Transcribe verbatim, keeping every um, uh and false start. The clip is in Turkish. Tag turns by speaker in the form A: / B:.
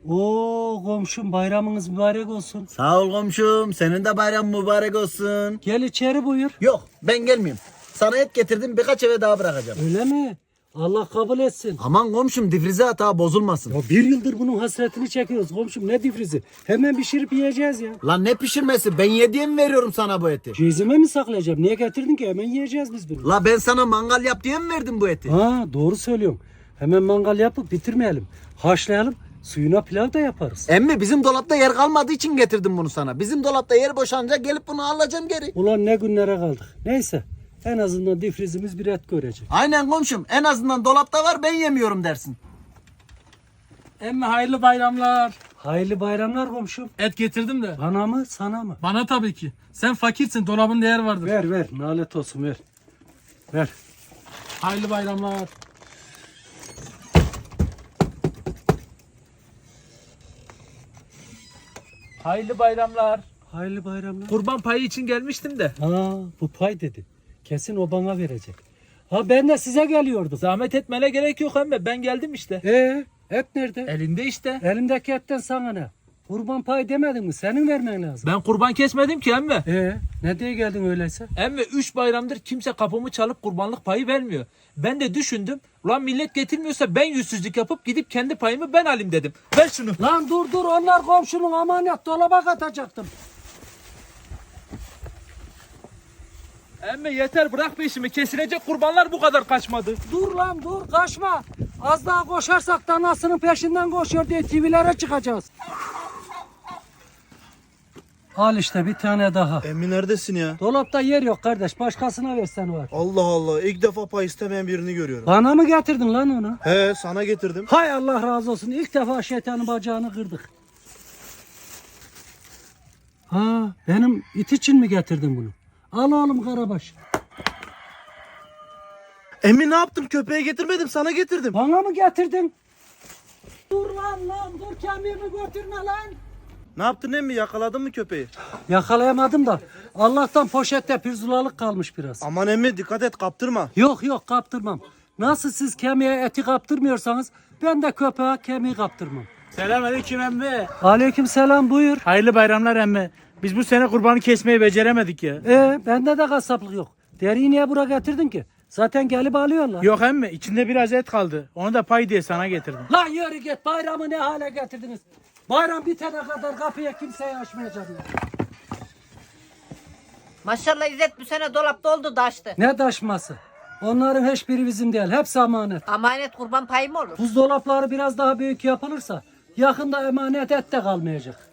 A: Oo komşum, bayramınız mübarek olsun.
B: Sağ ol komşum. Senin de bayram mübarek olsun.
A: Gel içeri buyur.
B: Yok ben gelmeyeyim. Sana et getirdim, birkaç eve daha bırakacağım.
A: Öyle mi? Allah kabul etsin.
B: Aman komşum, difrize hata bozulmasın.
A: Ya bir yıldır bunun hasretini çekiyoruz komşum, ne difrizi. Hemen pişirip yiyeceğiz ya.
B: Lan ne pişirmesi? Ben yediye mi veriyorum sana bu eti?
A: Cezime mi saklayacağım? Niye getirdin ki? Hemen yiyeceğiz biz bunu.
B: La ben sana mangal yap diye mi verdim bu eti?
A: Ha doğru söylüyorsun. Hemen mangal yapıp bitirmeyelim. Haşlayalım. Suyuna pilav da yaparız.
B: Emmi bizim dolapta yer kalmadığı için getirdim bunu sana. Bizim dolapta yer boşanınca gelip bunu alacağım geri.
A: Ulan ne günlere kaldık. Neyse. En azından difrizimiz bir et görecek.
B: Aynen komşum. En azından dolapta var, ben yemiyorum dersin.
C: Emmi hayırlı bayramlar.
A: Hayırlı bayramlar komşum.
C: Et getirdim de.
A: Bana mı sana mı?
C: Bana tabii ki. Sen fakirsin, dolabında yer vardır.
A: Ver ver. Nalet olsun ver. Ver.
C: Hayırlı bayramlar. Hayırlı bayramlar.
A: Hayırlı bayramlar.
C: Kurban payı için gelmiştim de.
A: Ha bu pay dedi. Kesin o bana verecek. Ha ben de size geliyordum.
C: Zahmet etmene gerek yok emmi. Ben geldim işte.
A: Ee, et nerede?
C: Elinde işte.
A: Elimdeki etten sana ne? Kurban payı demedin mi? Senin vermen lazım.
C: Ben kurban kesmedim ki emmi.
A: Ee, ne diye geldin öyleyse?
C: Emmi üç bayramdır kimse kapımı çalıp kurbanlık payı vermiyor. Ben de düşündüm. Ulan millet getirmiyorsa ben yüzsüzlük yapıp gidip kendi payımı ben alayım dedim. Ver şunu.
A: Lan dur dur, onlar komşunun, amanet, dolaba katacaktım.
C: Emmi yeter, bırak peşimi. Kesilecek kurbanlar bu kadar kaçmadı.
A: Dur lan dur, kaçma. Az daha koşarsak danasının peşinden koşuyor diye T V'lere çıkacağız. Al işte bir tane daha.
D: Emmi neredesin ya?
A: Dolapta yer yok kardeş, başkasına versen var.
D: Allah Allah, ilk defa pay istemeyen birini görüyorum.
A: Bana mı getirdin lan onu?
D: He, sana getirdim.
A: Hay Allah razı olsun, ilk defa şeytanın bacağını kırdık. Ha benim it için mi getirdin bunu? Al oğlum Karabaş.
D: Emmi ne yaptım? Köpeğe getirmedim, sana getirdim.
A: Bana mı getirdin? Dur lan lan dur, kemiğimi götürme lan.
D: Ne yaptın emmi? Yakaladın mı köpeği?
A: Yakalayamadım da Allah'tan poşette pirzulalık kalmış biraz.
D: Aman emmi, dikkat et, kaptırma.
A: Yok yok, kaptırmam. Nasıl siz kemiğe eti kaptırmıyorsanız ben de köpeğe kemiği kaptırmam.
C: Selamünaleyküm emmi.
A: Aleyküm selam, buyur.
C: Hayırlı bayramlar emmi. Biz bu sene kurbanı kesmeyi beceremedik ya.
A: Ee bende de kasaplık yok. Deriyi niye buraya getirdin ki? Zaten gelip alıyorlar.
C: Yok emmi, içinde biraz et kaldı. Onu da pay diye sana getirdim.
A: Lan yürü git, bayramı ne hale getirdiniz? Bayram bitene kadar kapıya kimseyi açmayacağım ya.
E: Maşallah İzzet bu sene dolapta oldu da açtı.
A: Ne taşması? Onların hiçbiri bizim değil. Hepsi emanet.
E: Amanet kurban payı mı olur?
A: Buzdolapları biraz daha büyük yapılırsa yakında emanet et de kalmayacak.